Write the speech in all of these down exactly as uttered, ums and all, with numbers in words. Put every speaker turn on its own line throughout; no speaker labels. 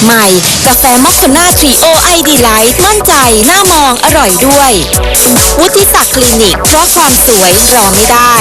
ใหม่กาแฟมอคคาน่าทรีโอไอดีไลท์มั่นใจหน้ามองอร่อยด้วยวุฒิศักดิ์คลินิกเพราะความสวยรอไม่ได้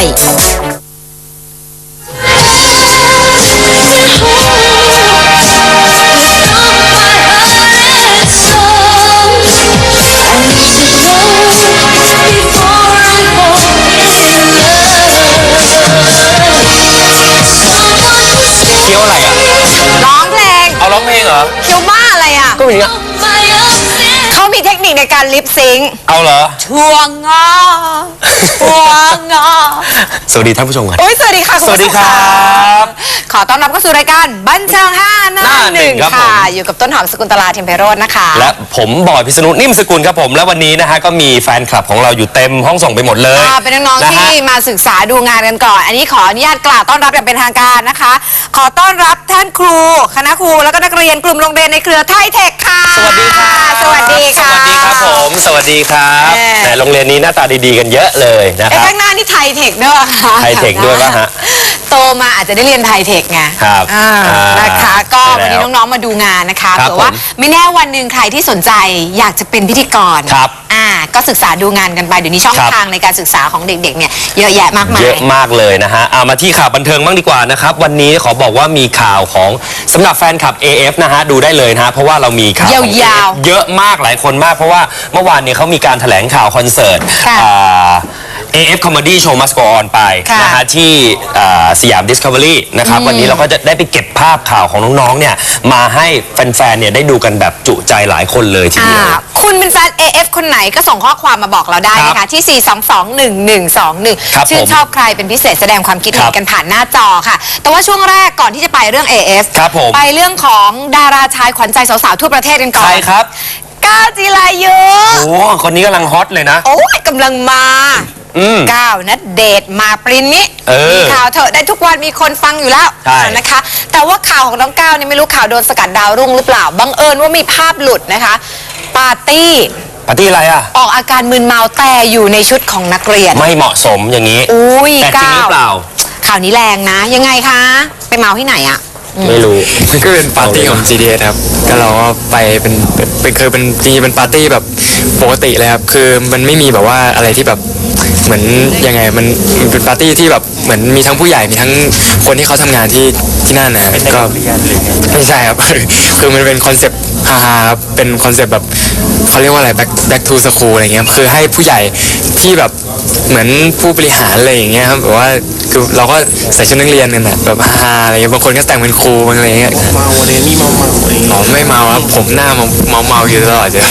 เคี้ยวอะไรอ่ะ
ร้องเพลง
เอาร้องเพลงเหรอ
เคี้ยวบ้าอะไรอ่ะ
ก็อย่างเงี้ย
เขามีเทคนิคในการลิปซิงค์
เอาเหรอ
ช่วงงอช่วงงอ
สวัสดีท่านผู้ชมครับ
โอ้ยสวัสดีค่ะคุณผู้ชม
สวัสดีครับ
ขอต้อนรับเข้าสู่รายการบันเทิงห้าหน้าหนึ่งค่ะอยู่กับต้นหอมสกุลตลาเทมเพโรจน์นะคะ
และผมบอยพิษณุนิ่มสกุลครับผมและวันนี้นะฮะก็มีแฟนคลับของเราอยู่เต็มห้องส่งไปหมดเลย
เป็นน้องๆที่มาศึกษาดูงานกันก่อนอันนี้ขออนุญาตกล่าวต้อนรับอย่างเป็นทางการนะคะขอต้อนรับท่านครูคณะครูแล้วก็นักเรียนกลุ่มโรงเรียนในเครือไทยเทคค่ะ
สวัสดีค่ะ
สวัสดีค่ะ
สวัสดีครับผมสวัสดีครับแต่โรงเรียนนี้หน้าตาดีๆกันเยอะเลยนะครับ
ข้างหน้านี่ไทยเทคด้วยค่ะ
ไทยเทคด้วยป่ะฮะ
โตมาอาจจะได้เรียนไทยเทคไง
ครับ
นะคะก็วันนี้น้องๆมาดูงานนะคะเผื่อว่าไม่แน่วันหนึ่งใครที่สนใจอยากจะเป็นพิธีกร
ครับ
อ่าก็ศึกษาดูงานกันไปเดี๋ยวนี้ช่องทางในการศึกษาของเด็กๆเนี่ยเยอะแยะมากมาย
เยอะมากเลยนะฮะเอามาที่ข่าวบันเทิงบ้างดีกว่านะครับวันนี้ขอบอกว่ามีข่าวของสำหรับแฟนคลับ เอ เอฟ นะฮะดูได้เลยนะฮะเพราะว่าเรามีข่าวยาวๆเยอะมากหลายคนมากเพราะว่าเมื่อวานนี้เขามีการแถลงข่าวคอนเสิร์ตเอ เอฟ Comedy Show Must Go On ไปนะฮะที่สยาม Discovery นะครับวันนี้เราก็จะได้ไปเก็บภาพข่าวของน้องๆเนี่ยมาให้แฟนๆเนี่ยได้ดูกันแบบจุใจหลายคนเลยทีเดียว
คุณเป็นแฟน เอ เอฟ คนไหนก็ส่งข้อความมาบอกเราได้นะคะที่ สี่ สอง สอง หนึ่ง หนึ่ง สอง หนึ่ง ชื่นชอบใครเป็นพิเศษแสดงความคิดเห็นกันผ่านหน้าจอค่ะแต่ว่าช่วงแรกก่อนที่จะไปเรื่อง เอ เอฟ ไปเรื่องของดาราชายขวัญใจสาวๆทั่วประเทศกันก่อน
ใช่ครับ
ก้าวจิรายุ
โอ้คนนี้กำลังฮอตเลยนะ
โอ้ยกำลังมาก้าวณเดชน์มาปรินนี้มีข่าวเถอะได้ทุกวันมีคนฟังอยู่แล้วนะคะแต่ว่าข่าวของน้องก้าวเนี่ยไม่รู้ข่าวโดนสกัดดาวรุ่งหรือเปล่าบังเอิญว่ามีภาพหลุดนะคะปาร์ตี้
ปาร์ตี้อะไรอ่ะ
ออกอาการมึนเมาแต่อยู่ในชุดของนักเรียน
ไม่เหมาะสมอย่างนี้
อุ้ย
แต่จริงหรือเปล่า
ข่าวนี้แรงนะยังไงคะไปเมาที่ไหนอ่ะ
ไม่รู้
ก็เป็นปาร์ตี้ของ จี ดี เอส ครับก็เราก็ไปเป็นเป็นคือเป็นจริงๆเป็นปาร์ตี้แบบปกติเลยครับคือมันไม่มีแบบว่าอะไรที่แบบเหมือนยังไงมันเป็นปาร์ตี้ที่แบบเหมือนมีทั้งผู้ใหญ่มีทั้งคนที่เขาทำงานที่ที่นั่นนะก็ไม่ใช่ครับคือมันเป็นคอนเซปต์ฮาๆครับเป็นคอนเซปต์แบบเขาเรียกว่าอะไร back back to school อะไรเงี้ยคือให้ผู้ใหญ่ที่แบบเหมือนผู้บริหารอะไรอย่างเงี้ยครับแบบว่าคือเราก็ใส่ชุดนักเรียนกันแบบฮาๆอะไรเงี้ยบางคนก็แต่งเป็นครูบางอะไรเงี้ยเมาอะไรนี่เมาเมาอ๋อไม่เมาครับผมหน้าเมาเมาเมาอยู่ตลอดเลย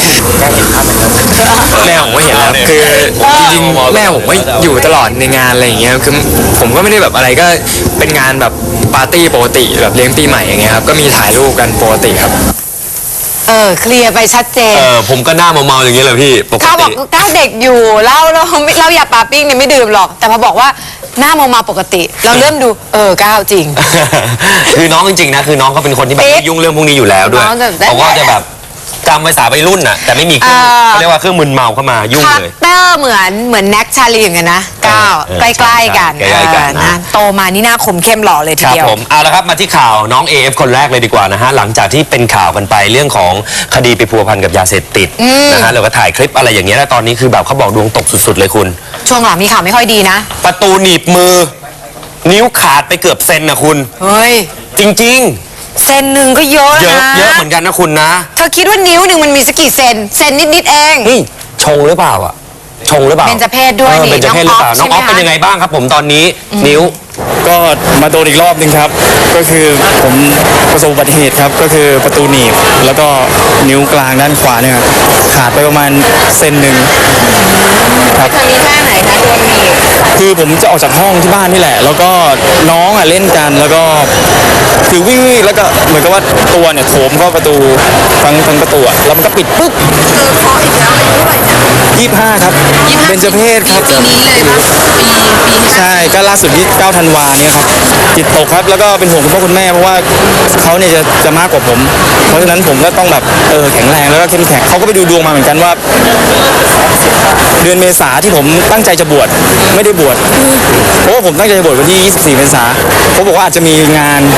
แม่ผมก็เห็นแล้วคือจริงๆแม่ผมก็อยู่ตลอดในงานอะไรอย่างเงี้ยคือผมก็ไม่ได้แบบอะไรก็เป็นงานแบบปาร์ตี้ปกติแบบเลี้ยงปีใหม่อย่างเงี้ยครับก็มีถ่ายรูปกันปกติครับ
เออเคลียร์ไปชัดเจน
เออผมก็หน้าเมาๆอย่างเงี้ยเลยพี่ปกติ
เขาบอกก้าวเด็กอยู่เราเราเราอย่าปาปิ้งเนี่ยไม่ดื่มหรอกแต่พอบอกว่าหน้าเมาๆปกติเราเริ่มดูเออก้าวจริง
คือน้องจริงๆนะคือน้องเขาเป็นคนที่แบบไม่ยุ่งเรื่องพวกนี้อยู่แล้วด้วยเขาก็จะแบบจำภาษาวัยรุ่นน่ะแต่ไม่มีเครื่องเขาเรียกว่าเครื่องมึนเมาเข้ามายุ่งเลย
เตอร์เหมือนเหมือนแน็กชาลีเหมือนกันนะก้าวใกล้ๆกันนะโตมานี่หน้าคมเข้มหล่อเลยทีเดียว
ผมเอาละครับมาที่ข่าวน้อง เอ เอฟ คนแรกเลยดีกว่านะฮะหลังจากที่เป็นข่าวกันไปเรื่องของคดีไปพัวพันกับยาเสพติดนะฮะแล้วก็ถ่ายคลิปอะไรอย่างเงี้ยแล้วตอนนี้คือแบบเขาบอกดวงตกสุดๆเลยคุณ
ช่วงหลังมีข่าวไม่ค่อยดีนะ
ประตูหนีบมือนิ้วขาดไปเกือบเซนนะคุณ
เฮ้ย
จริงๆ
เซนหนึ่งก็เยอะนะ
เยอะเหมือนกันนะคุณนะ
เธอคิดว่านิ้วหนึ่งมันมีสักกี่เซนเซนนิดๆเอง
นี่ชงหรือเปล่าอ่ะชงหรือเปล่า
เบญจเพศด้วยนี่
เบญจเพศหรือเปล่าน้องออฟเป็นยังไงบ้างครับผมตอนนี้นิ้ว
ก็มาโดนอีกรอบนึงครับก็คือผมประสบอุบัติเหตุครับก็คือประตูหนีบแล้วก็นิ้วกลางด้านขวาเนี่ยครับขาดไปประมาณเซนหนึ่ง
ครับทำนี้ท่าไหนคะโดนหนีบ
คือผมจะออกจากห้องที่บ้านนี่แหละแล้วก็น้องอ่ะเล่นกันแล้วก็คือวิ่งแล้วก็เหมือนกับว่าตัวเนี่ยโถมเข้าประตูทั้งทั้งประตูแล้วมันก็ปิดปึ๊บ
เจอเคาะอีกแล้วอายุเท่าไหร่เนี่ย
ยี่สิบห้าครับเป็นเจเพศครับ
ปีนี้เลยปะปีปี
ใช่ก็ล่าสุดที่เก้าธันวาเนี่ยครับจิตตกครับแล้วก็เป็นห่วงคุณพ่อคุณแม่เพราะว่าเขาเนี่ยจะจะมากกว่าผมเพราะฉะนั้นผมก็ต้องแบบเออแข็งแรงแล้วก็เข้มแข็งเขาก็ไปดูดวงมาเหมือนกันว่าเดือนเมษาที่ผมตั้งใจจะบวชไม่ได้บวชเพราะว่าผมตั้งใจจะบวชวันที่ยี่สิบสี่เมษาเขาบอกว่าอาจจะมีงาน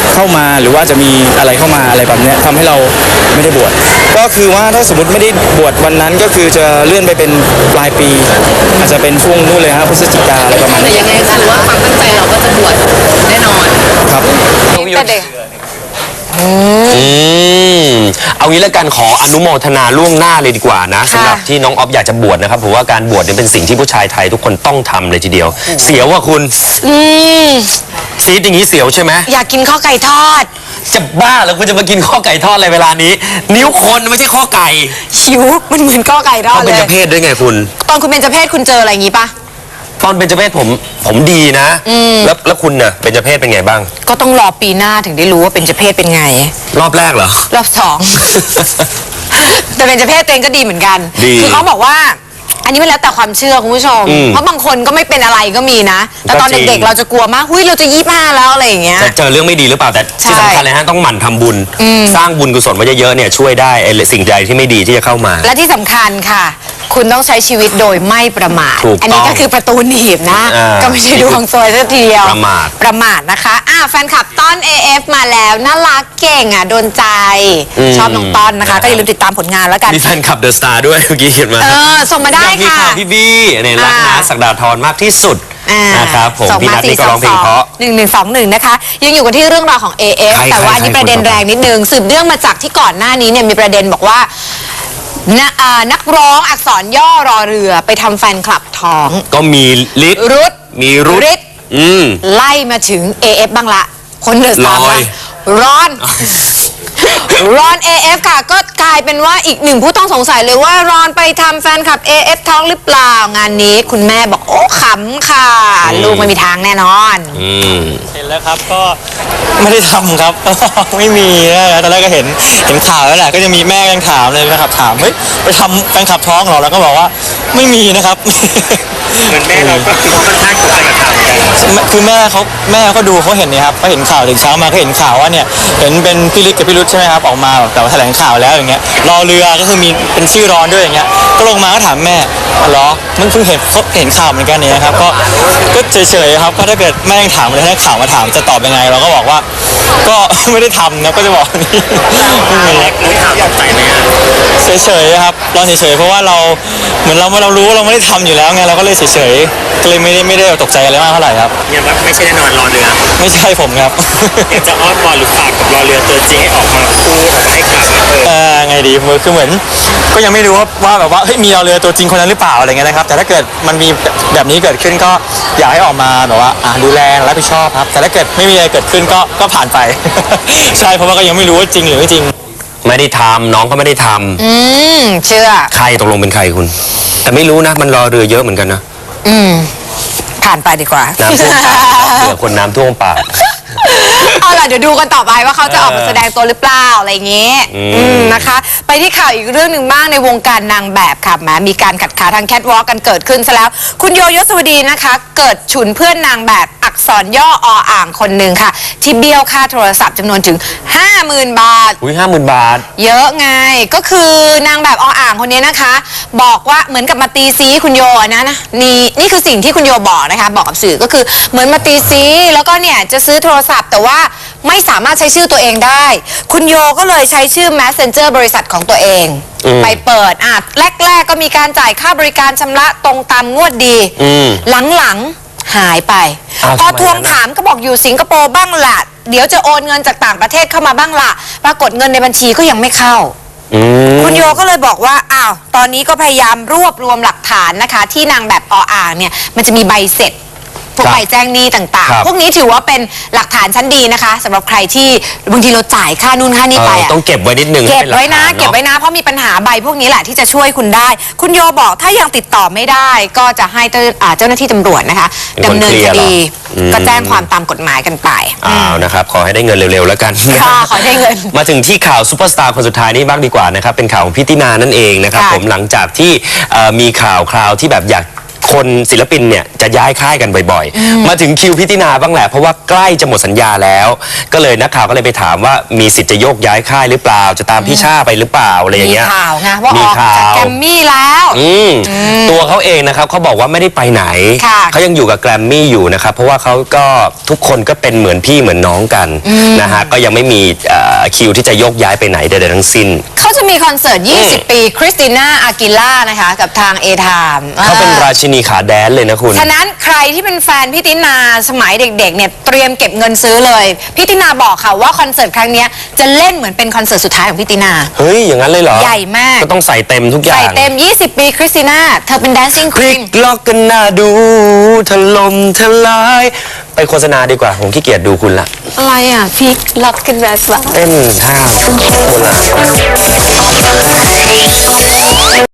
เข้ามาหรือว่าจะมีอะไรเข้ามาอะไรแบบเนี้ยทำให้เราไม่ได้บวชก็คือว่าถ้าสมมติไม่ได้บวชวันนั้นก็คือจะเลื่อนไปเป็นปลายปี อาจจะเป็นช่วงนู้นเลยครับพฤศจิกาอะไรประมาณนี้
ยังไงคือว่าความตั้งใจเราก็จะบวชแน่นอน
ครับ
แต่เด็ก
อืมเอางี้แล้วกันขออนุโมทนาล่วงหน้าเลยดีกว่านะสำหรับที่น้องออฟอยากจะบวชนะครับผมว่าการบวชเนี่ยเป็นสิ่งที่ผู้ชายไทยทุกคนต้องทำเลยทีเดียว เสียวว่าคุณ
อืม
ซีดอย่างนี้เสียวใช่ไหม
อยากกินข้าวไก่ทอด
จะบ้าแล้วคุณจะมากินข้อไก่ทอดอะไรเวลานี้ นิ้วคนไม่ใช่ข้อไก่
หิวมันเหมือนข้าวไก่ทอ
ต้
ด
อง
เล
เป็น
ย
เจ้าเพศด้วยไงคุณ
ตอนคุณเป็นเจ้าเพศคุณเจออะไรอย่างงี้ปะ
ตอนเป็นเจ้าเพศผมผมดีนะแล้วแล้วคุณน่ะเป็นเจ้าเพศเป็นไงบ้าง
ก็ต้องรอปีหน้าถึงได้รู้ว่าเป็นเจ้าเพศเป็นไง
รอบแรกเหรอ
รอบสอง แต่เป็นเจ้าเพศตัวเองก็ดีเหมือนกัน
ดี
คือเขาบอกว่า อันนี้มันแล้วแต่ความเชื่อคุณผู้ชม
อืม
เพราะบางคนก็ไม่เป็นอะไรก็มีนะ แต่ตอน
ก็จริง
เด็กๆเราจะกลัวมากหุ้ยเราจะยี่ห้าแล้วอะไรอย่างเงี้ย
จะเจอเรื่องไม่ดีหรือเปล่าแต่ที่
ใช่
สำคัญเลยฮะต้องหมั่นทำบุญ สร้างบุญกุศลไว้เยอะๆเนี่ยช่วยได้ไอ้สิ่งใดที่ไม่ดีที่จะเข้ามา
และที่สำคัญค่ะ คุณต้องใช้ชีวิตโดยไม่ประมาท
ถูกต้อง
อันี้ก็คือประตูหนีบนะ
อ่า
ก็ไม่ใช่ดวงซวยสักทีเดียว
ประมาท
ประมาทนะคะอ่ะแฟนคลับต้อน เอ เอฟ มาแล้วน่ารักเก่งอ่ะโดนใจ ชอบน้องต้อนนะคะ ก็อย่าลืมติดตามผลงานแล้วกัน
มีแฟนคลับเดอะสตาร์ด้วยเมื่อกี้เขียนมา
เออส่งมาได้
อยากมี
ค่ะ
ข่าวพี่บี้เนี่ยรัก
อ่า
นะศักดาธรมากที่สุด
อ่า
นะครับผม
ส่ง
พี่
มา
นัท
สี่
นี่ก็
ส
ร้
อ
อง งเพล
ส
ง
อง
เพราะ
หนึ่งหนึ่งสองหนึ่งนะคะ ยังอยู่กันที่เรื่องราวของ เอ เอฟ
ใคร
แต่ว่าอันนี้
ใคร
ประเด็น
คนต่อไป
แรงนิดนึงสืบเรื่องมาจากที่ก่อนหน้านี้เนี่ยมีประเด็นบอกว่านะอ่านักร้องอักษรย่อรอเรือไปทำแฟนคลับท้อง
ก็มีลิศ
รุด
มีรุด
ฤทธิ์
อืม
ไล่มาถึง เอ เอฟ บ้างละ คนเดือดตาม
ล
ละ
อย
ร้อน รอน เอ เอฟ ค่ะ ก็กลายเป็นว่าอีกหนึ่งผู้ต้องสงสัยเลยว่ารอนไปทำแฟนคลับ เอ เอฟ ท้องหรือเปล่างานนี้คุณแม่บอกโอ้ขำค่ะ ลูกไม่มีทางแน่นอน
อืม
เห็นแล้วครับก็ไม่ได้ทำครับ ไม่มีนะตอนแรกก็เห็นเห็นข่าวแล้วแหละก็จะมีแม่ยังถามเลยนะครับถามเฮ้ยไปทำแฟนคลับท้องเหรอแล้วก็บอกว่าไม่มีนะครับ
เหมือนแม่เราก็คือค่อนข้างกลัวกับข่าวเหมือนกัน
คือแม่เขาแม่เขาดูเขาเห็นเนี่ยครับเขาเห็นข่าวถึงเช้ามาเขาเห็นข่าวว่าเนี่ยเห็นเป็นพี่ลิศกับพี่รุธใช่ไหมครับออกมาแบบแต่ว่าแถลงข่าวแล้วอย่างเงี้ยรอเรือก็คือมีเป็นชื่อร้อนด้วยอย่างเงี้ยก็ลงมาก็ถามแม่อ๋อเหรอมันเพิ่งเห็นเขาเห็นข่าวเหมือนกันเนี่ยนะครับก็ก็เฉยๆครับก็ถ้าเกิดแม่ยังถามเลยถ้าข่าวมาถามจะตอบยังไงเราก็บอกว่า ก็ ไม่ได้ทำนะก็จะบอกนี่ไม่มี
รู้ข่าวตกใจไหมฮะ
เฉยๆครับรอเฉยๆเพราะว่าเราเหมือนเราเรารู้ว่าเราไม่ได้ทำอยู่แล้วไงเราก็เลยเฉยๆก็เลยไม่ได้ไม่ได้ตกใจอะไรมากเท่าไหร่ครับ
ยังว่าไม่ใช่แน่นอนรอเรือ
ไม่ใช่ผมครับ
อยากจะอ้อนวอนหรือฝากกับรอเรือตัวจริงให้ออกมาพูดออกมาให้ข่าวว่าเออ
เออไงดีคือเหมือนก็ยังไม่รู้ว่าว่าแบบว่าเฮ้ยมีเราเรือตัวจริงคนนั้นหรือเปล่าอะไรเงี้ยนะครับแต่ถ้าเกิดมันมีแบบนี้เกิดขึ้นก็อยากให้ออกมาแบบว่าอ่าดูแลรับผิดชอบครับแต่ถ้าเกิดไม่มีอะไรเกิดขึ้นก็ก็ผ่านไป ใช่เพราะว่าก็ยังไม่รู้ว่าจริงหรือไม่จริง
ไม่ได้ทำน้องก็ไม่ได้ท
อืม เชื่อ
ำใครตกลงเป็นใครคุณ แต่ไม่รู้นะมันรอเรือเยอะเหมือนกันนะ
อืม ผ่านไปดีกว่า
น้ำท่วมปากเผื่อคนน้ำท่วมปาก
เอาล่ะเดี๋ยวดูกันต่อไปว่าเขาจะออกมาแสดงตัวหรือเปล่าอะไรอย่างเงี้ย
อืม
อืมนะคะ ไปที่ข่าวอีกเรื่องหนึ่งบ้างในวงการนางแบบค่ะแหมมีการขัดขาทางแคทวอล์กกันเกิดขึ้นซะแล้ว คุณโยยศวดีนะคะ เกิดฉุนเพื่อนนางแบบอักษรย่อออ่างคนหนึ่งค่ะ ที่เบี้ยวค่าโทรศัพท์จำนวนถึง ห้าหมื่น บาท
อุ้ยห้าหมื่นบาท
เยอะไงก็คือนางแบบออ่างคนนี้นะคะ บอกว่าเหมือนกับมาตีซีคุณโยนะนะนี่นี่คือสิ่งที่คุณโยบอกนะคะ บอกกับสื่อก็คือเหมือนมาตีซีแล้วก็เนี่ยจะซื้อโทรศัพท์แต่ว่าไม่สามารถใช้ชื่อตัวเองได้ คุณโยก็เลยใช้ชื่อ Messenger บริษัทของตัวเอง
อืม
ไปเปิดอ่ะแรกๆก็มีการจ่ายค่าบริการชำระตรงตามงวดดี
อืม
หลังๆหายไป
อ้าว
พอ
ทำไม
ทวง
งั้นน่ะ
ถามก็บอกอยู่สิงคโปร์บ้างละเดี๋ยวจะโอนเงินจากต่างประเทศเข้ามาบ้างละปรากฏเงินในบัญชีก็ยังไม่เข้า
อืม
คุณโยก็เลยบอกว่า อ้าว ตอนนี้ก็พยายามรวบรวมหลักฐานนะคะ ที่นางแบบออ่างเนี่ย มันจะมีใบเสร็จ พวก
ครับ
ใบแจ้งหนี้ต่าง
ครับ
ๆ พวกนี้ถือว่าเป็นหลักฐานชั้นดีนะคะสำหรับใครที่บางทีเราจ่ายค่านู่นค่านี่ไป
เออ
อะ
ต้องเก็บไว้นิดนึง
เก็บ
ให้ป็
ไว้นะ
หลัฐา
เก็บไว้นะ เพราะมีปัญหาใบพวกนี้แหละที่จะช่วยคุณได้ คุณโยบอกถ้ายังติดต่อไม่ได้ ก็จะให้เจ้าอ่าเจ้าหน้าที่ตำรวจนะคะ
เป็นคน
ดำเนิน
เคลี
ค
ยร์เหรอ
ดี
อืม
ก็แจ้งความตามกฎหมายกันไป
อ้าวนะครับ ขอให้ได้เงินเร็วๆแล้วกัน
ค่ะขอให้ได้เงิน
มาถึงที่ข่าวซูเปอร์สตาร์คนสุดท้ายนี่บ้างดีกว่านะครับ เป็นข่าวของพี่ตินานั่นเองนะครับ
ค่ะ
ผมหลังจากที่เอ่อมีข่าวคราวที่แบบอยากคนศิลปินเนี่ยจะย้ายค่ายกันบ่อยๆ มาถึงคิวพิตินาบ้างแหละเพราะว่าใกล้จะหมดสัญญาแล้ว ก็เลยนักข่าวก็เลยไปถามว่ามีสิทธิ์จะโยกย้ายค่ายหรือเปล่าจะตามพี่ชาไปหรือเปล่าอะไรอย่าง
มี
เงี้ย
ข่าวนะว่าอ
มี
อก
ข่า
จาก
ว
แกรมมี่แล้ว
อืมตัวเขาเองนะครับเขาบอกว่าไม่ได้ไปไหน
ค่ะ
เขายังอยู่กับแกรมมี่อยู่นะครับเพราะว่าเขาก็ทุกคนก็เป็นเหมือนพี่เหมือนน้องกันนะฮะก็ยังไม่มีเอ่อคิวที่จะโยกย้ายไปไหนใดๆทั้งสิ้น
เขาจะมีคอนเสิร์ต ยี่สิบ ปีคริสติน่าอากิล่านะคะ กับทางเอทาม
เขาเป็นราชินีขาแดนเลยนะคุณ
ฉะนั้นใครที่เป็นแฟนพี่ตินาสมัยเด็กๆเนี่ยเตรียมเก็บเงินซื้อเลยพี่ตินาบอกค่ะว่าคอนเสิร์ตครั้งเนี้ยจะเล่นเหมือนเป็นคอนเสิร์ตสุดท้ายของพี่ตินา
เฮ้ยอย่างนั้นเลยเหรอ
ใหญ่มาก
ก็ต้องใส่เต็มทุกอย่า
ใส่
ง
เต็ม ยี่สิบ ปีคริสติน่าเธอเป็น dancing
พลิก
queen
ล็อกกันหน้าดูถล่มทลาย ไปโฆษณาดีกว่า ผมขี้เกียจดูคุณละ
อะไรอ่ะพีคล็อกกันแบบว่า
เต้นท่าโบราณ